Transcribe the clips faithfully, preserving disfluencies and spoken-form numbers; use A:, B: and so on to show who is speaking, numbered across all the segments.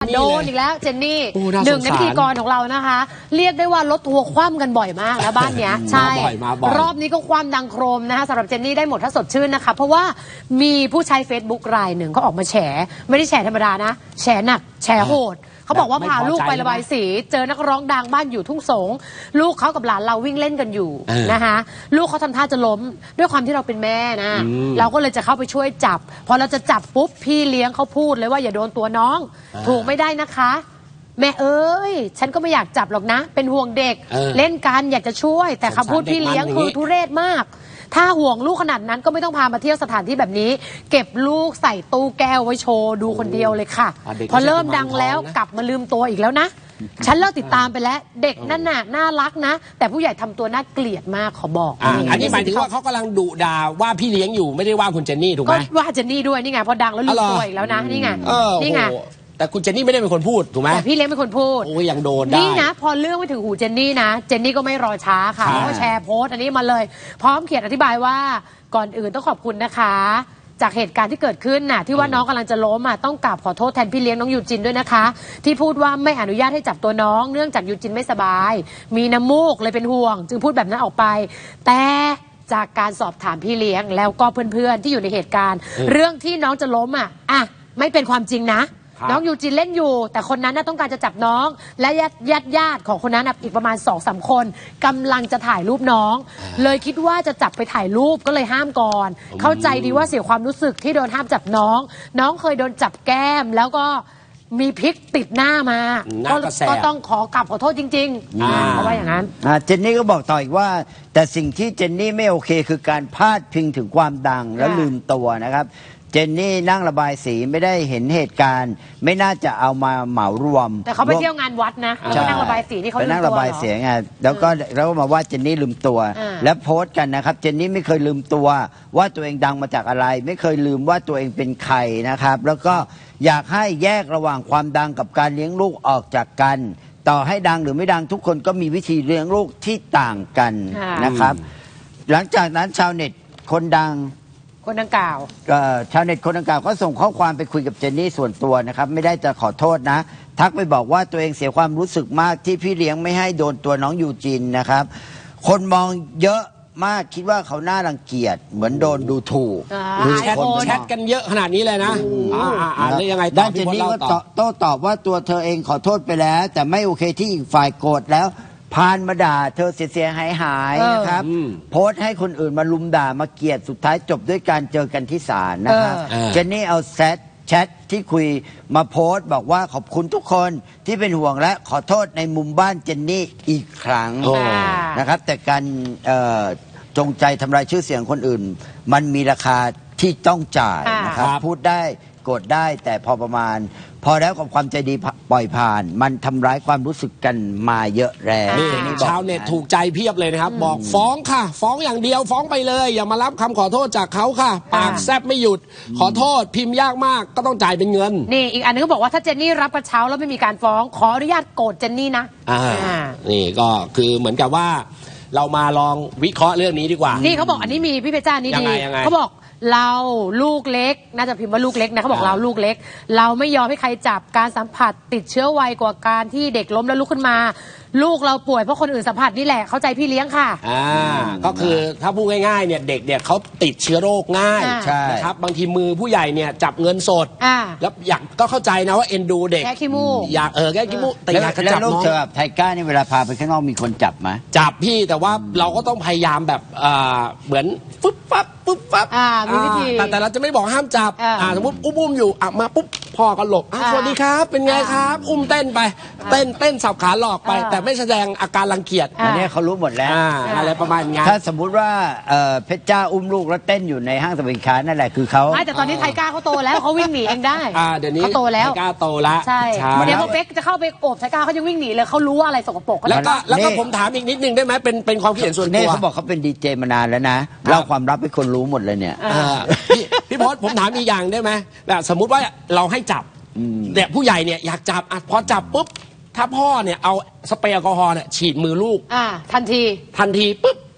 A: โดนอีกแล้วเจนนี่หนึ่งในพิธีกรของเรานะคะเรียกได้ว่ารถทัวร์คว่ำกันบ่อยมากนะบ้านเนี้ยใช่รอบนี้ก็คว่ำดังโครมนะคะสำหรับเจนนี่ได้หมดถ้าสดชื่นนะคะเพราะว่ามีผู้ใช้ Facebook รายหนึ่งเขาออกมาแฉไม่ได้แฉธรรมดานะแฉหนักแฉโหดเขาบอกว่าพาลูกไประบายสีเจอนักร้องดังบ้านอยู่ทุ่งสงลูกเขากับหลานเราวิ่งเล่นกันอยู่นะคะลูกเขาทำท่าจะล้มด้วยความที่เราเป็นแม่นะเราก็เลยจะเข้าไปช่วยจับพอเราจะจับปุ๊บพี่เลี้ยงเขาพูดเลยว่าอย่าโดนตัวน้องถูกไม่ได้นะคะแม่เอ้ยฉันก็ไม่อยากจับหรอกนะเป็นห่วงเด็กเล่นกันอยากจะช่วยแต่คำพูดพี่เลี้ยงคือทุเรศมากถ้าห่วงลูกขนาดนั้นก็ไม่ต้องพามาเที่ยวสถานที่แบบนี้เก็บลูกใส่ตู้แก้วไว้โชว์ดูคนเดียวเลยค่ะพอเริ่มดังแล้วกลับมาลืมตัวอีกแล้วนะฉันเลิกติดตามไปแล้วเด็กนั่นน่ะน่ารักนะแต่ผู้ใหญ่ทำตัวน่าเกลียดมากขอบอก
B: อันนี้หมายถึงว่าเขากำลังดุด่าว่าพี่เลี้ยงอยู่ไม่ได้ว่าคุณเจนนี่ถูกไหม
A: ก็ว่าเจนนี่ด้วยนี่ไงพอดังแล้วลืมตัวอีกแล้วนะนี่ไงนี่ไง
B: แต่คุณเจนนี่ไม่ได้เป็นคนพูดถูกไหม
A: แต่พี่เลี้ยงเป็นคนพูด
B: โอ้ยยังโดนได้
A: นี่นะพอเรื่องไปถึงหูเจนนี่นะเจนนี่ก็ไม่รอช้าค่ะเขาก็แชร์โพสต์อันนี้มาเลยพร้อมเขียนอธิบายว่าก่อนอื่นต้องขอบคุณนะคะจากเหตุการณ์ที่เกิดขึ้นน่ะที่ว่าน้องกำลังจะล้มอ่ะต้องกราบขอโทษแทนพี่เลี้ยงน้องยูจินด้วยนะคะที่พูดว่าไม่อนุญาตให้จับตัวน้องเนื่องจากยูจินไม่สบายมีน้ำมูกเลยเป็นห่วงจึงพูดแบบนั้นออกไปแต่จากการสอบถามพี่เลี้ยงแล้วก็เพื่อนๆที่อยู่ในเหตุการณ์เรื่องที่น้องจะล้มอ่ะอ่ะไม่เป็นความจริงนะน้องยูจินเล่นอยู่แต่คนนั้นน่ะต้องการจะจับน้องและญาติญาติญาติของคนนั้นอีกประมาณสองสามคนกำลังจะถ่ายรูปน้องเลยคิดว่าจะจับไปถ่ายรูปก็เลยห้ามก่อนเข้าใจดีว่าเสียความรู้สึกที่โดนห้ามจับน้องน้องเคยโดนจับแก้มแล้วก็มีพริกติดหน้ามาก็ก็ต้องขอกลับขอโทษจริงๆเพราะว่าอย่างนั้น
C: เจนนี่ก็บอกต่ออีกว่าแต่สิ่งที่เจนนี่ไม่โอเคคือการพาดพิงถึงความดังแล้วลืมตัวนะครับเจนนี่นั่งระบายสีไม่ได้เห็นเหตุการณ์ไม่น่าจะเอามาเหมารวม
A: แต่เขาไปเที่ยวงานวัดนะเขานั่งระบายสีที่เขาลืมตัว
C: นั่งระบายสีไงแล้วก็แล้วก็มาว่าเจนนี่ลืมตัวและโพสต์กันนะครับเจนนี่ไม่เคยลืมตัวว่าตัวเองดังมาจากอะไรไม่เคยลืมว่าตัวเองเป็นใครนะครับแล้วก็อยากให้แยกระหว่างความดังกับการเลี้ยงลูกออกจากกันต่อให้ดังหรือไม่ดังทุกคนก็มีวิธีเลี้ยงลูกที่ต่างกันนะครับหลังจากนั้นชาวเน็ตคนดัง
A: คนดังกล่าว
C: ชาวเน็ตคนดังกล่าวก็ส่งข้อความไปคุยกับเจนนี่ส่วนตัวนะครับไม่ได้จะขอโทษนะทักไปบอกว่าตัวเองเสียความรู้สึกมากที่พี่เลี้ยงไม่ให้โดนตัวน้องยูจินนะครับคนมองเยอะมากคิดว่าเขาน่ารังเกียจเหมือนโดนดูถูก
B: แชทแชทกันเยอะขนาดนี้เลยนะอ่าแล้วยังไง
C: ด้านเจนนี่ก็โต้ตอบว่าตัวเธอเองขอโทษไปแล้วแต่ไม่โอเคที่อีกฝ่ายโกรธแล้วพานมาด่าเธอเสียหายหายนะครับโพสต์ให้คนอื่นมาลุมด่ามาเกลียดสุดท้ายจบด้วยการเจอกันที่ศาลนะครับเจนนี่เอาแชทแชทที่คุยมาโพสต์บอกว่าขอบคุณทุกคนที่เป็นห่วงและขอโทษในมุมบ้านเจนนี่อีกครั้งนะครับแต่การจงใจทำลายชื่อเสียงคนอื่นมันมีราคาที่ต้องจ่ายนะครับพูดได้โกรธได้แต่พอประมาณพอแล้วกับความใจดีปล่อยผ่านมันทำร้ายความรู้สึกกันมาเยอะแล้ว
B: ชาวเน็ตถูกใจเพียบเลยนะครับบอกฟ้องค่ะฟ้องอย่างเดียวฟ้องไปเลยอย่ามารับคำขอโทษจากเขาค่ะปากแซบไม่หยุดขอโทษพิมพ์ยากมากก็ต้องจ่ายเป็นเงิน
A: นี่อีกอันนึงก็บอกว่าถ้าเจนนี่รับกระเช้าแล้วไม่มีการฟ้องขออนุญาตโกรธเจนนี่นะ
B: อ่านี่ก็คือเหมือนกับว่าเรามาลองวิเคราะห์เรื่องนี้ดีกว่า
A: นี่เขาบอกอันนี้มีพี่เพชรจ้านี่ดีเขาบอกเราลูกเล็กน่าจะพิมพ์ว่าลูกเล็กนะเขาบอกเราลูกเล็กเราไม่ยอมให้ใครจับการสัมผัสติดเชื้อไวกว่าการที่เด็กล้มแล้วลุกขึ้นมาลูกเราป่วยเพราะคนอื่นสัมผัสนี่แหละเข้าใจพี่เลี้ยงค่ะ
B: อ่าก็คือถ้าพูดง่ายๆเนี่ยเด็กเนี่ยเขาติดเชื้อโรคง่ายนะครับบางทีมือผู้ใหญ่เนี่ยจับเงินสดแล้วอยากก็เข้าใจนะว่าเอ็นดูเด็ก
A: แก้ขี้มูก
B: อยากเออแก้ขี้มูกแต่อยากจะจับน้อง
C: ไทก้านี่เวลาพาไปข้างนอกมีคนจับไหม
B: จับพี่แต่ว่าเราก็ต้องพยายามแบบอ่าเหมือนฟึบฟับฟึบฟับ
A: อ่ามีวิธี
B: แต่แต่เราจะไม่บอกห้ามจับอ่าสมมติอุ้มๆอยู่อ่ะมาปุ๊บพ่อก็หลบสวัสดีครับเป็นไงครับอุ้มเต้นไปเต้นเต้นสับขาหลอกไปแต่ไม่แสดงอาการรังเกียจ
C: อันนี้เขารู้หมดแล้ว
B: อะไรประมาณนี้
C: ถ้าสมมุติว่าเพชรจ้าอุ้มลูกแล้วเต้นอยู่ในห้างสรรพสินค้านั่นแหละคือเขา
A: แต่ตอนนี้ไทก้าเขาโตแล้วเขาวิ่งหนีเองได้
B: เดี๋ยวนี้
A: เขาโตแล้ว
B: ไทก้าโตแล้ว
A: ใช่เดี๋ยวพอเป๊กจะเข้าไปโอบไทก้าเขาจะวิ่งหนีเลยเขารู้ว่าอะไรสกปรก
B: แล้วก็แล้วก็ผมถามอีกนิดนึงได้ไหมเป็นเป็นความคิดเห็นส่วนตัว
C: เขาบอกเขาเป็นดีเจมานานแล้วนะเล่าความลับให้คนรู้หมดเลยเนี่ย
B: พี่พศผมถามอีกอย่างได้ไหมแบบสมมุติว่าเราให้จับเนี่ยผู้ใหญ่เนี่ยอยากจับพอจับปุ๊บถ้าพ่อเนี่ยเอาสเปรย์แอลกอฮอล์เนี่ยฉีดมือลูก
A: อ่าทันที
B: ทันทีปุ๊บ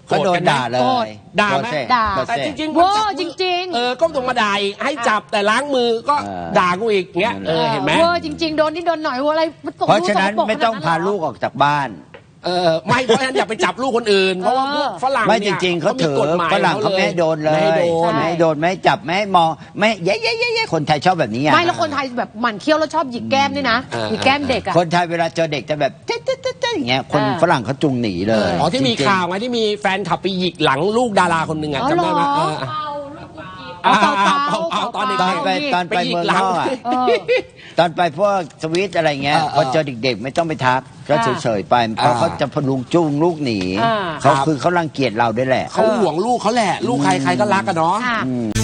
C: ก็โดนด่าเล
A: โกรธ
C: ย
B: ด่าไหม
C: โกรธ
A: ด่า
C: โกรธ
B: แต่
C: สิ
B: จริงๆ
A: โว้
B: จับ
A: จริงๆ
B: เออก็ต้องมาด่าอีกให้จับแต่ล้างมือก็
C: เออ
B: ด่ากูอีกเงี้ยเออเห็นไหม
A: เวอร์จริง ๆ โดนนี่โดนหน่อยว่าอะไรมันตก
C: เพราะฉะนั้น
A: ดูสกปรก
C: ไม่ต้อง
A: ขนด
C: พา
A: นั้นเหร
C: ลูกออกจากบ้าน
B: เออไม่เพราะฉะนั้นอย่าไปจับลูกคนอื่น เพราะว่าพวกฝรั่ง
C: ไม่จ
B: เนี่ย
C: ริง ๆเขาถือ
B: มีกฎหมาย
C: ฝรั่งเขาไม่ให้โดนเลย
B: ไม่ให้โดน
C: ไม่ให้โดนไม่ให้จับไม่ให้มองไม่เย้เย้เย้เย้คนไทยชอบแบบนี้อ่ะ
A: ไม่แล้วคนไทยแบบหมั่นเคี้ยวแล้วชอบหยิกแก้มด้วยนะ
B: เออ
A: หยิกแก้มเด็กอะ
C: คนไทยเวลาเจอเด็กจะแบบเจ๊เจ๊เจ๊เจ๊อย่างเงี้ยคน
A: เออ
C: ฝรั่งเขาจุงหนีเลย
B: อ๋อที่มี
C: จริงๆ
B: ข่าวไงที่มีแฟนขับไปหยิกหลังลูกดาราคนหนึ่งอ่ะ
A: อ๋อ
B: จำได้ไหม
A: เหรอ
B: เออ
A: เอาเปล่าเปล่า
B: เอาเอาตอนเด็ก
C: ตอนไปตอนไป
B: หยิ
C: เมือง
B: หลั
C: นอกอะ
A: เออ
C: ตอนไปพวกสวิตอะไรเงี้ย
B: เออเออ
C: พอเจอเด็กๆ ไม่ต้องไปทักก็
A: อ่า
C: เฉยๆไปเพราะ
B: อ่า
C: เขาจะพลุงจุ้งลูกหนี
A: อ่า
C: เขา
B: ครับ
C: คือเขารังเกียจเราด้วยแหละ
B: เขาห่วงลูกเขาแหละ ลูกใครใครก็รักกันเนาะ
A: ค่ะ